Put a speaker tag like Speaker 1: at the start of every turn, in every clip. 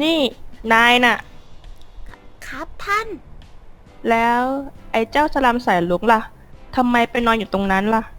Speaker 1: นี่นายน่ะ
Speaker 2: ครับท่าน
Speaker 1: แล้วไอ้เจ้าสลัมสายลุกล่ะทำไมไปนอนอยู่ตรงนั้นล่ะ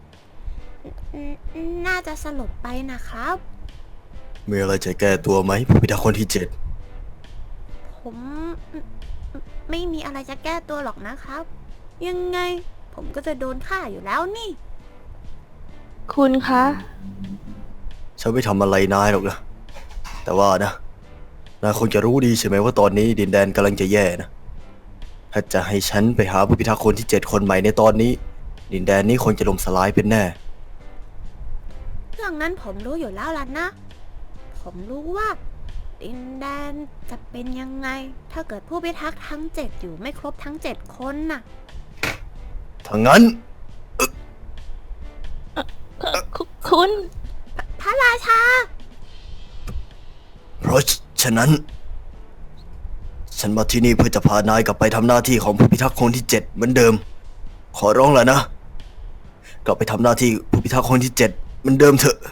Speaker 2: น่าจะสลบไปนะครับ
Speaker 3: มีอะไรจะแก้ตัวไหมผู้พิทักษ์คนที่เจ็ด
Speaker 2: ผมไม่มีอะไรจะแก้ตัวหรอกนะครับ ยังไงผมก็จะโดนฆ่าอยู่แล้วนี่
Speaker 1: คุณคะ
Speaker 3: ฉันไม่ทำอะไรนายหรอกนะแต่ว่านะนายคงจะรู้ดีใช่ไหมว่าตอนนี้ดินแดนกำลังจะแย่นะถ้าจะให้ฉันไปหาผู้พิทักษ์คนที่7คนใหม่ในตอนนี้ดินแดนนี้คงจะล่มสลายเป็นแน่
Speaker 2: เรื่องนั้นผมรู้อยู่แล้วล่ะนะ ผมรู้ว่าดินแดนจะเป็นยังไง ถ้าเกิดผู้พิทักษ์ทั้ง7อยู่ไม่ครบทั้ง7คนน่ะ
Speaker 3: ถ้างั้น
Speaker 1: คุณ
Speaker 2: พระราชา
Speaker 3: เพราะฉะนั้น ฉันมาที่นี่เพื่อจะพานายกลับไปทำหน้าที่ของผู้พิทักษ์คนที่7เหมือนเดิมขอร้องแล้วนะกลับไปทำหน้าที่ผู้พิทักษ์คนที่7เหมือนเดิมเถอะ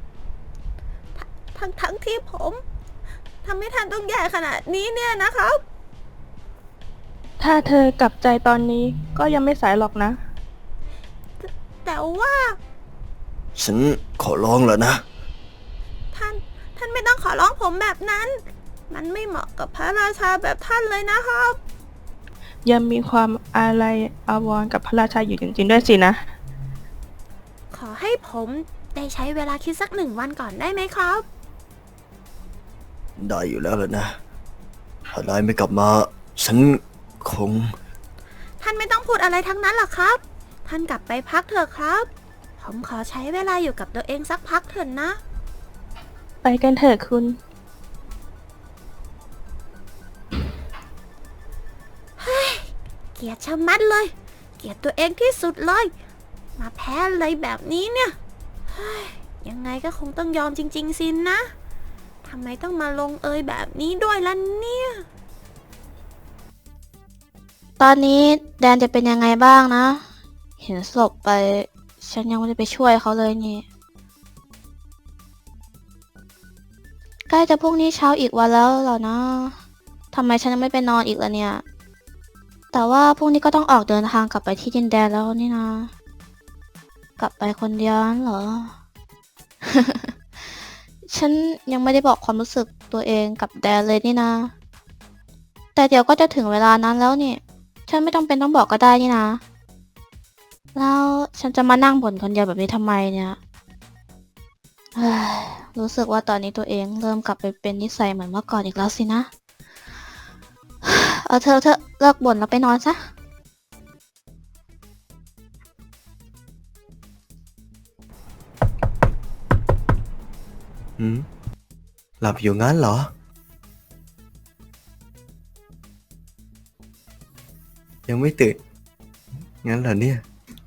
Speaker 2: ทั้งที่ผมทำให้ท่านต้องแย่ขนาดนี้เนี่ยนะครับ
Speaker 1: ถ้าเธอกลับใจตอนนี้ก็ยังไม่สายหรอกนะ
Speaker 2: แต่ว่า
Speaker 3: ฉันขอร้องแล้วนะ
Speaker 2: ท่านไม่ต้องขอร้องผมแบบนั้น มันไม่เหมาะกับพระราชาแบบท่านเลยนะครับ
Speaker 1: ยังมีความอาลัยอาวรณ์กับพระราชาอยู่จริงๆด้วยสินะ
Speaker 2: ขอให้ผมได้ใช้เวลาคิดสัก1 วันก่อนได้ไหมครับ
Speaker 3: ได้อยู่แล้วล่ะนะถ้านายไม่กลับมา ฉันคง
Speaker 2: ท่านไม่ต้องพูดอะไรทั้งนั้นหรอกครับ ท่านกลับไปพักเถอะครับ ผมขอใช้เวลาอยู่กับตัวเองสักพักเถอะนะ
Speaker 1: ไปกันเถอะคุณ
Speaker 2: เกลียดชะมัดเลย เกลียดตัวเองที่สุดเลย มาแพ้อะไรแบบนี้เนี่ยเฮ้ยยังไงก็คงต้องยอมจริงๆสินะทำไมต้องมาลงเอยแบบนี้ด้วยล่ะเนี่ย
Speaker 4: ตอนนี้แดนจะเป็นยังไงบ้างนะ เห็นศพไป ฉันยังไม่ได้ไปช่วยเขาเลยนี่ ใกล้จะพรุ่งนี้เช้าอีกวันแล้วเหรอนะทำไมฉันยังไม่ไปนอนอีกล่ะเนี่ย แต่ว่าพรุ่งนี้ก็ต้องออกเดินทางกลับไปที่ดินแดนแล้วนี่นะ กลับไปคนเดียวนั่นเหรอ ฉันยังไม่ได้บอกความรู้สึกตัวเองกับแดนเลยนี่นะ แต่เดี๋ยวก็จะถึงเวลานั้นแล้วนี่ ฉันไม่ต้องเป็นต้องบอกก็ได้นี่นะ แล้วฉันจะมานั่งบ่นคนเดียวแบบนี้ทำไมเนี่ยเฮ้ยรู้สึกว่าตอนนี้ตัวเองเริ่มกลับไปเป็นนิสัยเหมือนเมื่อก่อนอีกแล้วสินะ เอาเธอเลิกบ่นแล้วไปนอนซะ
Speaker 3: หลับอยู่งั้นเหรอ ยังไม่ตื่น งั้นเหรอเนี่ย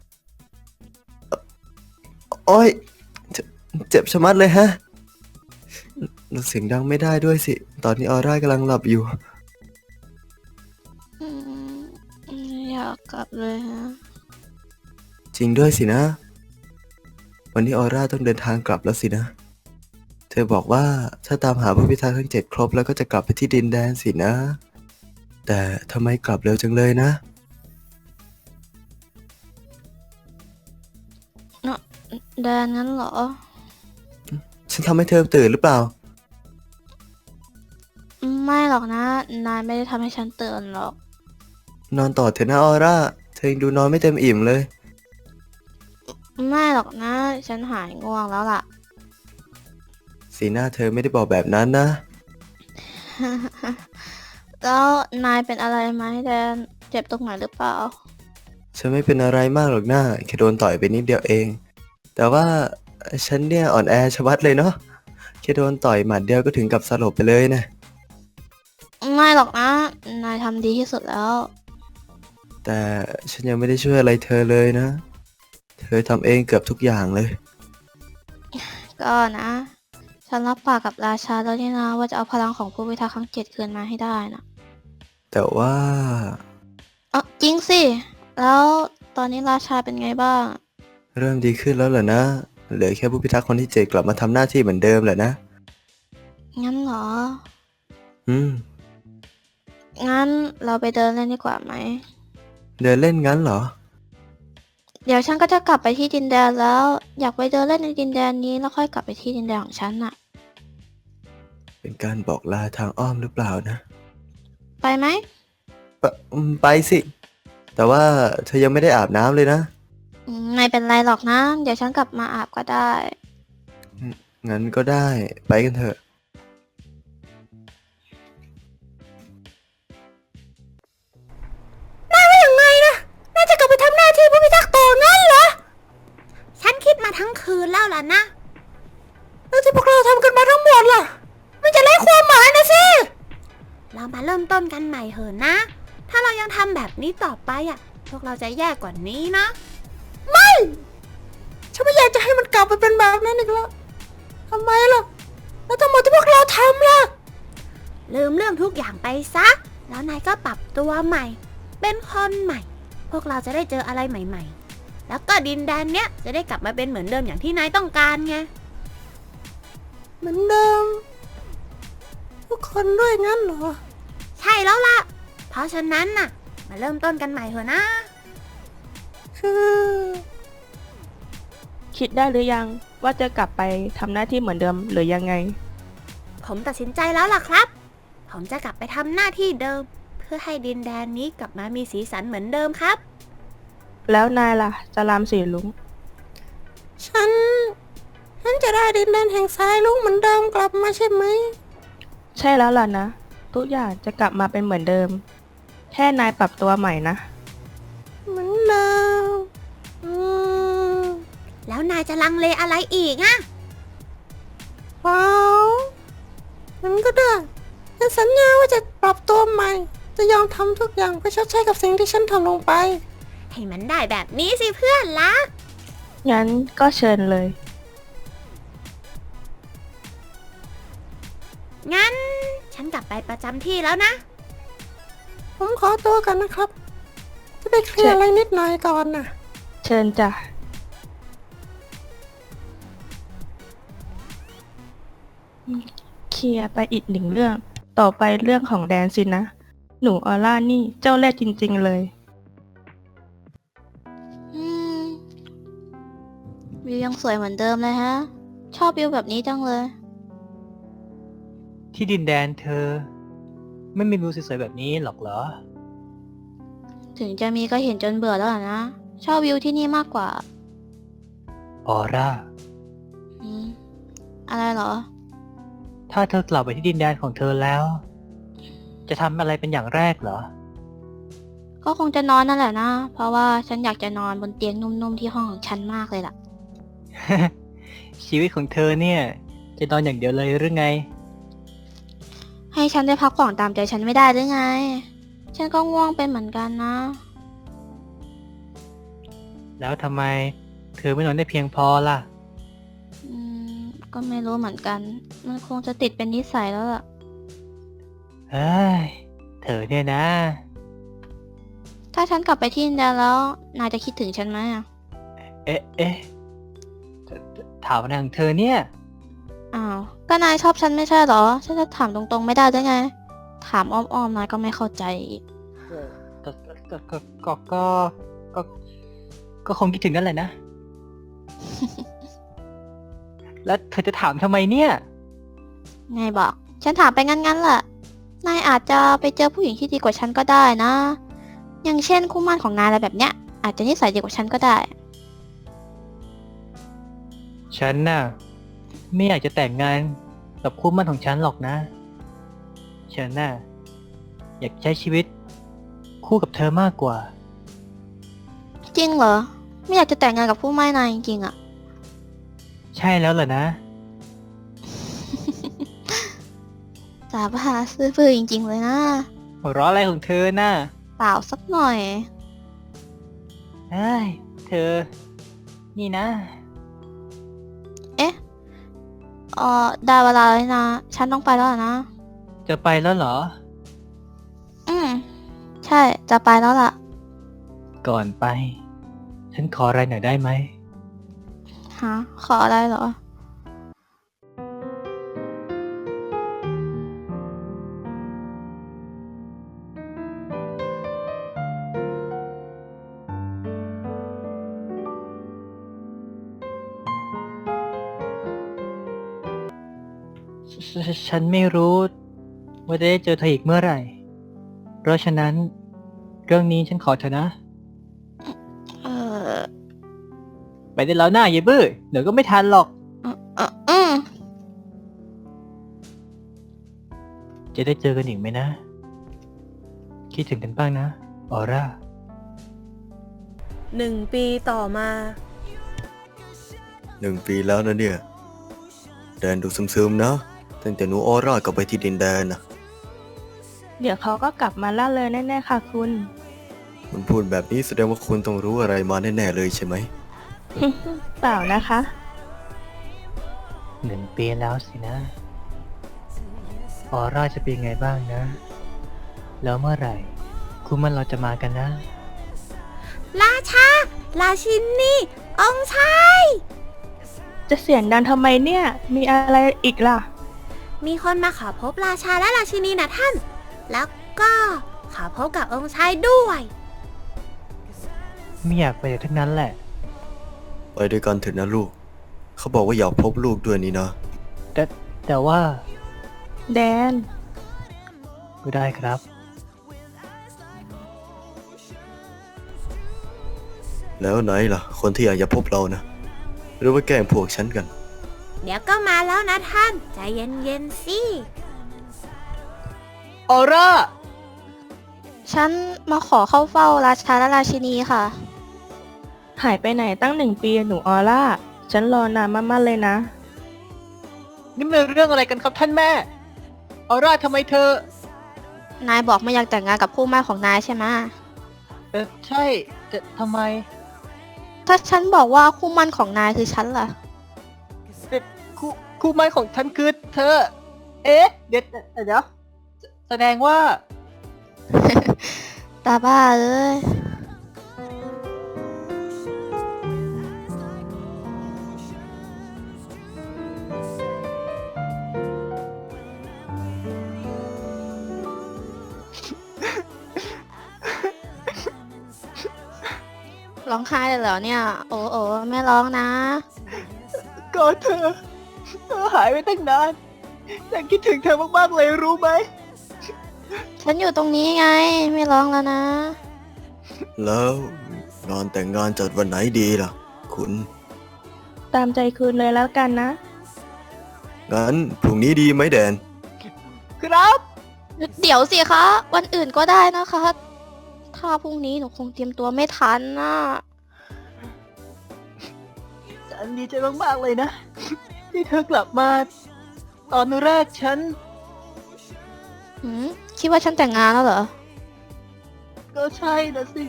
Speaker 3: โอ้ยเจ็บชะมัดเลยฮะเสียงดังไม่ได้ด้วยสิ ตอนนี้ออร่ากำลังหลับอยู่
Speaker 4: อืมอยากกลับเลยฮะ
Speaker 3: จริงด้วยสินะ วันนี้ออร่าต้องเดินทางกลับแล้วสินะ เธอบอกว่าถ้าตามหาผู้พิทักษ์ทั้ง7ครบแล้วก็จะกลับไปที่ดินแดนสินะ แต่ทำไมกลับเร็วจังเลยนะ
Speaker 4: แดนงั้นเหรอ
Speaker 3: ฉันทำให้เธอตื่นหรือเปล่า
Speaker 4: ไม่หรอกนะ นายไม่ได้ทำให้ฉันตื่นหรอก
Speaker 3: นอนต่อเถอะนะออร่า เธอยังดูนอนไม่เต็มอิ่มเลย
Speaker 4: ไม่หรอกนะ ฉันหายง่วงแล้วล่ะ
Speaker 3: สีหน้าเธอไม่ได้บอกแบบนั้นนะ
Speaker 4: แล้วนายเป็นอะไรไหมแดน เจ็บตรงไหนหรือเปล่า
Speaker 3: ฉันไม่เป็นอะไรมากหรอกนะแค่โดนต่อยไปนิดเดียวเอง แต่ว่าฉันเนี่ยอ่อนแอชะมัดเลยเนาะแค่โดนต่อยหมัดเดียวก็ถึงกับสลบไปเลยนะ
Speaker 4: ไม่หรอกนะ นายทำดีที่สุดแล้ว
Speaker 3: แต่ฉันยังไม่ได้ช่วยอะไรเธอเลยนะ เธอทำเองเกือบทุกอย่างเลย
Speaker 4: ก็นะ ฉันรับปากกับราชาแล้วนี่นะว่าจะเอาพลังของผู้พิทักษ์ทั้ง7คืนมาให้ได้นะ
Speaker 3: แต่ว่า
Speaker 4: จริงสิ แล้วตอนนี้ราชาเป็นไงบ้าง
Speaker 3: เริ่มดีขึ้นแล้วเหรอนะ เหลือแค่ผู้พิทักษ์คนที่7กลับมาทำหน้าที่เหมือนเดิมแหละนะ
Speaker 4: งั้นเหรอ
Speaker 3: อืม
Speaker 4: งั้นเราไปเดินเล่นดีกว่าไหม
Speaker 3: เดินเล่นงั้นเหรอ
Speaker 4: เดี๋ยวฉันก็จะกลับไปที่ดินแดนแล้ว อยากไปเดินเล่นในดินแดนนี้แล้วค่อยกลับไปที่ดินแดนของฉันน่ะ
Speaker 3: เป็นการบอกลาทางอ้อมหรือเปล่านะ
Speaker 4: ไปไหม
Speaker 3: ไปสิ แต่ว่าเธอยังไม่ได้อาบน้ำเลยนะ
Speaker 4: ไม่เป็นไรหรอกนะ เดี๋ยวฉันกลับมาอาบก็ได้
Speaker 3: งั้นก็ได้ ไปกันเถอะ
Speaker 2: ยังไงนะ น่าจะกลับไปทำหน้าที่ผู้พิทักษ์ต่องั้นเหรอ ฉันคิดมาทั้งคืนแล้วล่ะนะ แล้วที่พวกเราทำกันมาทั้งหมดล่ะ มันจะไร้ความหมายนะสิ เรามาเริ่มต้นกันใหม่เถอะนะ ถ้าเรายังทำแบบนี้ต่อไปอ่ะ พวกเราจะแย่กว่านี้นะ ไม่ ฉันไม่อยากจะให้มันกลับไปเป็นแบบนั้นอีกแล้วทำไมล่ะ แล้วทั้งหมดที่พวกเราทำล่ะ ลืมเรื่องทุกอย่างไปซะ แล้วนายก็ปรับตัวใหม่ เป็นคนใหม่ พวกเราจะได้เจออะไรใหม่ๆ แล้วก็ดินแดนเนี้ยจะได้กลับมาเป็นเหมือนเดิมอย่างที่นายต้องการไง เหมือนเดิม ทุกคนด้วยงั้นเหรอ ใช่แล้วล่ะ เพราะฉะนั้นน่ะ มาเริ่มต้นกันใหม่เถอะนะ คือ
Speaker 1: คิดได้หรือยังว่าจะกลับไปทำหน้าที่เหมือนเดิมหรือยังไง
Speaker 2: ผมตัดสินใจแล้วล่ะครับ ผมจะกลับไปทำหน้าที่เดิม เพื่อให้ดินแดนนี้กลับมามีสีสันเหมือนเดิมครับ
Speaker 1: แล้วนายล่ะจรามสีลุง
Speaker 2: ฉันจะได้ดินแดนแห่งสายลุงเหมือนเดิมกลับมาใช่ไหม
Speaker 1: ใช่แล้วล่ะนะ ทุกอย่างจะกลับมาเป็นเหมือนเดิม แค่นายปรับตัวใหม่นะ
Speaker 2: เหมือนเดิมแล้วนายจะลังเลอะไรอีกอะว้าวมันก็ได้ฉันสัญญาว่าจะปรับตัวใหม่ จะยอมทำทุกอย่างเพื่อชดใช้กับสิ่งที่ฉันทำลงไป ให้มันได้แบบนี้สิเพื่อนรัก
Speaker 1: งั้นก็เชิญเลย
Speaker 2: งั้นฉันกลับไปประจำที่แล้วนะ ผมขอตัวกันนะครับ จะไปเคลียร์อะไรนิดหน่อยก่อนนะ
Speaker 1: เชิญจ้ะ เคลียร์ไปอีกหนึ่งเรื่อง ต่อไปเรื่องของแดนสินะ หนูออร่านี่เจ้าเล่ห์จริงๆเลย
Speaker 4: อืม วิวยังสวยเหมือนเดิมเลยฮะ ชอบวิวแบบนี้จังเลย
Speaker 5: ที่ดินแดนเธอ ไม่มีวิวสวยๆแบบนี้หรอกเหรอ
Speaker 4: ถึงจะมีก็เห็นจนเบื่อแล้วล่ะนะ ชอบวิวที่นี่มากกว่า
Speaker 5: ออร่า
Speaker 4: อืม อะไรเหรอ
Speaker 5: ถ้าเธอกลับไปที่ดินแดนของเธอแล้ว จะทำอะไรเป็นอย่างแรกเหรอ
Speaker 4: ก็คงจะนอนนั่นแหละนะ เพราะว่าฉันอยากจะนอนบนเตียงนุ่มๆที่ห้องของฉันมากเลยล่ะ
Speaker 5: ชีวิตของเธอเนี่ย จะนอนอย่างเดียวเลยหรือไง
Speaker 4: ให้ฉันได้พักผ่อนตามใจฉันไม่ได้หรือไง ฉันก็ง่วงเป็นเหมือนกันนะ
Speaker 5: แล้วทำไมเธอไม่นอนได้เพียงพอล่ะ
Speaker 4: อืม ก็ไม่รู้เหมือนกัน มันคงจะติดเป็นนิสัยแล้วล่ะ
Speaker 5: เฮ้ย เธอเนี่ยนะ
Speaker 4: ถ้าฉันกลับไปที่อินเดียแล้ว นายจะคิดถึงฉันไหมอะ
Speaker 5: เอ๊ะถามอะไรของเธอเนี่ย
Speaker 4: อ้าว ก็นายชอบฉันไม่ใช่เหรอ ฉันจะถามตรงๆไม่ได้ได้ไง ถามอ้อมๆนายก็ไม่เข้าใจอีก
Speaker 5: ก็ก็ก็ก็ก็คงคิดถึงนั่นแหละนะ แล้วเธอจะถามทำไมเนี่ย
Speaker 4: ไงบอก ฉันถามไปงั้นๆแหละ นายอาจจะไปเจอผู้หญิงที่ดีกว่าฉันก็ได้นะ อย่างเช่นคู่หมั่นของนายอะไรแบบเนี้ย อาจจะนิสัยดีกว่าฉันก็ได้
Speaker 5: ฉันน่ะ ไม่อยากจะแต่งงานกับคู่หมั่นของฉันหรอกนะ ฉันน่ะ อยากใช้ชีวิต คู่กับเธอมากกว่า
Speaker 4: จริงเหรอ ไม่อยากจะแต่งงานกับผู้ไม่นายจริงๆอะ
Speaker 5: ใช่แล้วเหรอนะ
Speaker 4: สาบาซื่อบื้อจริง ๆ เลยนะ
Speaker 5: หัวเราะอะไรของเธอน่ะ
Speaker 4: เปล่าสักหน่อย
Speaker 5: เฮ้ย เธอ นี่นะ
Speaker 4: ได้เวลาแล้วนะ ฉันต้องไปแล้วล่ะนะ
Speaker 5: จะไปแล้วเหรอ
Speaker 4: อืม ใช่ จะไปแล้วล่ะ
Speaker 5: ก่อนไป ฉันขออะไรหน่อยได้ไหม
Speaker 4: ฮะ ขออะไรเหรอ
Speaker 5: ฉันไม่รู้ว่าจะได้เจอเธออีกเมื่อไหร่ เพราะฉะนั้น เรื่องนี้ฉันขอเธอนะ
Speaker 4: เออ
Speaker 5: ไปได้แล้วหน้าเยบื้อเดี๋ยวก็ไม่ทันหรอก
Speaker 4: อืม
Speaker 5: จะได้เจอกันอีกไหมนะ คิดถึงกันบ้างนะ ออร่า
Speaker 2: 1 ปีต่อมา
Speaker 3: 1 ปีแล้วนะเนี่ย แดนดูซึมๆนะตั้งแต่หนูออร่ากลับไปที่ดินแดนนะ
Speaker 1: เดี๋ยวเขาก็กลับมาล่าเลยแน่ๆค่ะคุณ
Speaker 3: คุณพูดแบบนี้แสดงว่าคุณต้องรู้อะไรมาแน่ๆเลยใช่ไหม
Speaker 1: เปล่านะคะ
Speaker 5: 1 ปีแล้วสินะ ออร่าจะเป็นไงบ้างนะ แล้วเมื่อไหร่ คุณมันเราจะมากันนะ
Speaker 2: ราชา ราชินี องค์ชาย
Speaker 1: จะเสียงดังทำไมเนี่ย มีอะไรอีกล่ะ
Speaker 2: มีคนมาขอพบราชาและราชินีนะท่าน แล้วก็ขอพบกับองค์ชายด้วย
Speaker 5: ไม่อยากไปทั้งนั้นแหละ
Speaker 3: ไปด้วยกันเถอะนะลูก เขาบอกว่าอยากพบลูกด้วยนี่นะ
Speaker 5: แต่ว่า
Speaker 1: แดน
Speaker 5: ก็ได้ครับ
Speaker 3: แล้วไหนล่ะ คนที่อยากจะพบเรานะ หรือว่าแกล้งพวกฉันกัน
Speaker 2: เดี๋ยวก็มาแล้วนะท่าน ใจเย็นๆสิ
Speaker 5: ออร่า
Speaker 4: ฉันมาขอเข้าเฝ้าราชาและราชินีค่ะ
Speaker 1: หายไปไหนตั้ง1 ปีหนูออร่า ฉันรอนานมากๆเลยนะ
Speaker 5: นี่มันเรื่องอะไรกันครับท่านแม่ ออร่าทำไมเธอ
Speaker 4: นายบอกไม่อยากแต่งงานกับคู่หมั่นของนายใช่ไหม
Speaker 5: ใช่แต่ทำไม
Speaker 4: ถ้าฉันบอกว่าคู่หมั่นของนายคือฉันล่ะ
Speaker 5: แต่คู่หมั่นของฉันคือเธอ เอ๊ะ เดี๋ยวแสดงว่า
Speaker 4: ตาบ้าเอ้ย ร้องไห้เลยเหรอเนี่ย โอ้โอ้ไม่ร้องนะ
Speaker 5: ก็เธอหายไปตั้งนานฉันคิดถึงเธอมากๆเลยรู้ไหม
Speaker 4: ฉันอยู่ตรงนี้ไง ไม่ร้องแล้วนะ
Speaker 3: แล้วงานแต่งงานจัดวันไหนดีล่ะ คุณ
Speaker 1: ตามใจคืนเลยแล้วกันนะ
Speaker 3: งั้นพรุ่งนี้ดีไหมแดน
Speaker 5: ครับ
Speaker 4: เดี๋ยวสิคะ วันอื่นก็ได้นะคะ ถ้าพรุ่งนี้หนูคงเตรียมตัวไม่ทันนะ
Speaker 5: ฉันดีใจมากๆเลยนะ ที่เธอกลับมา ตอนแรกฉัน
Speaker 4: คิดว่าฉันแต่งงานแล้วเหรอ
Speaker 5: ก็ใช่นะสิ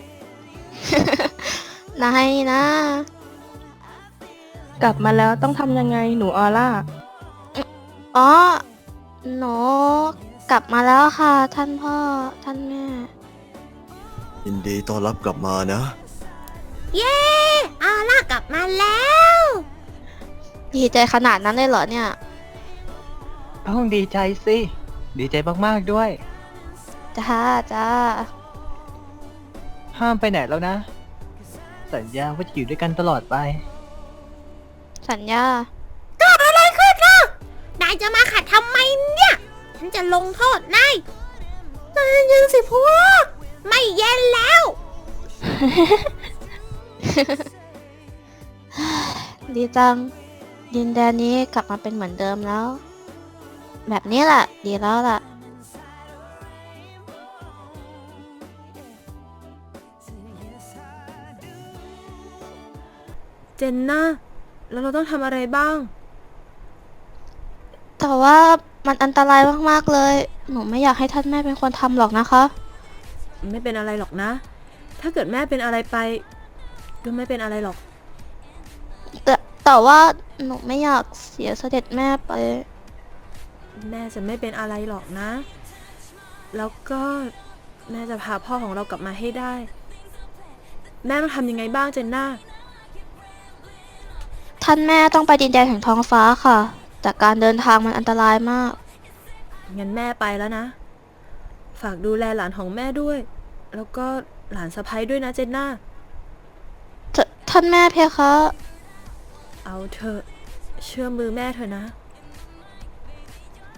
Speaker 4: นายนะ
Speaker 1: กลับมาแล้วต้องทำยังไงหนูออร่า
Speaker 4: อ๋อ หนูกลับมาแล้วค่ะ ท่านพ่อ ท่านแม่
Speaker 3: ยินดีต้อนรับกลับมานะ
Speaker 2: เย้อาล่ากลับมาแล้ว
Speaker 4: ดีใจขนาดนั้นเลยเหรอเนี่ย
Speaker 5: ต้องดีใจสิ ดีใจมากๆด้วย
Speaker 4: จ้าจ้า
Speaker 5: ห้ามไปไหนแล้วนะ สัญญาว่าจะอยู่ด้วยกันตลอดไป
Speaker 4: สัญญา
Speaker 2: เกิดอะไรขึ้นล่ะ นายจะมาขัดทำไมเนี่ย ฉันจะลงโทษนายใจเย็นสิพวก ไม่เย็นแล้ว
Speaker 4: ดีจัง ดินแดนนี้กลับมาเป็นเหมือนเดิมแล้ว แบบนี้แหละ ดีแล้วล่ะ
Speaker 2: เจนน่า แล้วเราต้องทำอะไรบ้าง
Speaker 4: แต่ว่ามันอันตรายมากๆเลย หนูไม่อยากให้ท่านแม่เป็นคนทำหรอกนะคะ
Speaker 2: ไม่เป็นอะไรหรอกนะ ถ้าเกิดแม่เป็นอะไรไป ก็ไม่เป็นอะไรหรอก
Speaker 4: แต่ว่าหนูไม่อยากเสียเสด็จแม่ไป
Speaker 2: แม่จะไม่เป็นอะไรหรอกนะ แล้วก็แม่จะพาพ่อของเรากลับมาให้ได้ แม่ต้องทำยังไงบ้างเจนน่า
Speaker 4: ท่านแม่ต้องไปดินแดนแห่งท้องฟ้าค่ะ แต่การเดินทางมันอันตรายมาก
Speaker 2: งั้นแม่ไปแล้วนะ ฝากดูแลหลานของแม่ด้วย แล้วก็หลานสะใภ้ด้วยนะเจนน่า
Speaker 4: ท่านแม่เพคะ
Speaker 2: เอาเถอะ เชื่อมือแม่เถอะนะ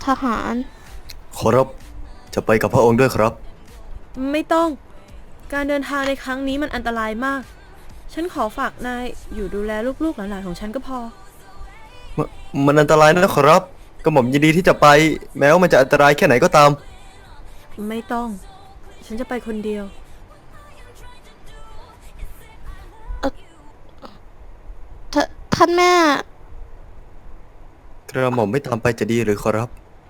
Speaker 4: ทหาร
Speaker 3: ขอรับ จะไปกับพระองค์ด้วยครับ
Speaker 2: ไม่ต้อง การเดินทางในครั้งนี้มันอันตรายมาก ฉันขอฝากนายอยู่ดูแลลูกๆหลานๆของฉันก็พอ
Speaker 3: มันอันตรายนะขอรับ กระหม่อมยินดีที่จะไป แม้ว่ามันจะอันตรายแค่ไหนก็ตาม
Speaker 2: ไม่ต้อง ฉันจะไปคนเดียว
Speaker 4: ท่านแม่
Speaker 3: กระหม่อมไม่ตามไปจะดีหรือขอรับ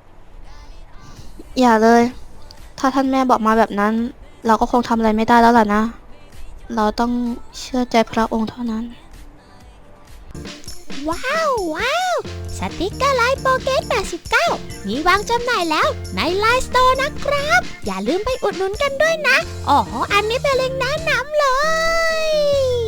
Speaker 4: อย่าเลย ถ้าท่านแม่บอกมาแบบนั้น เราก็คงทำอะไรไม่ได้แล้วล่ะนะ เราต้องเชื่อใจพระองค์เท่านั้น
Speaker 6: ว้าวว้าวสติกเกอร์ไลน์โปเกต89มีวางจำหน่ายแล้วในไลน์สโตร์นะครับ อย่าลืมไปอุดหนุนกันด้วยนะ อ๋อ อันนี้เป็นเล็งก์แนะนำเลย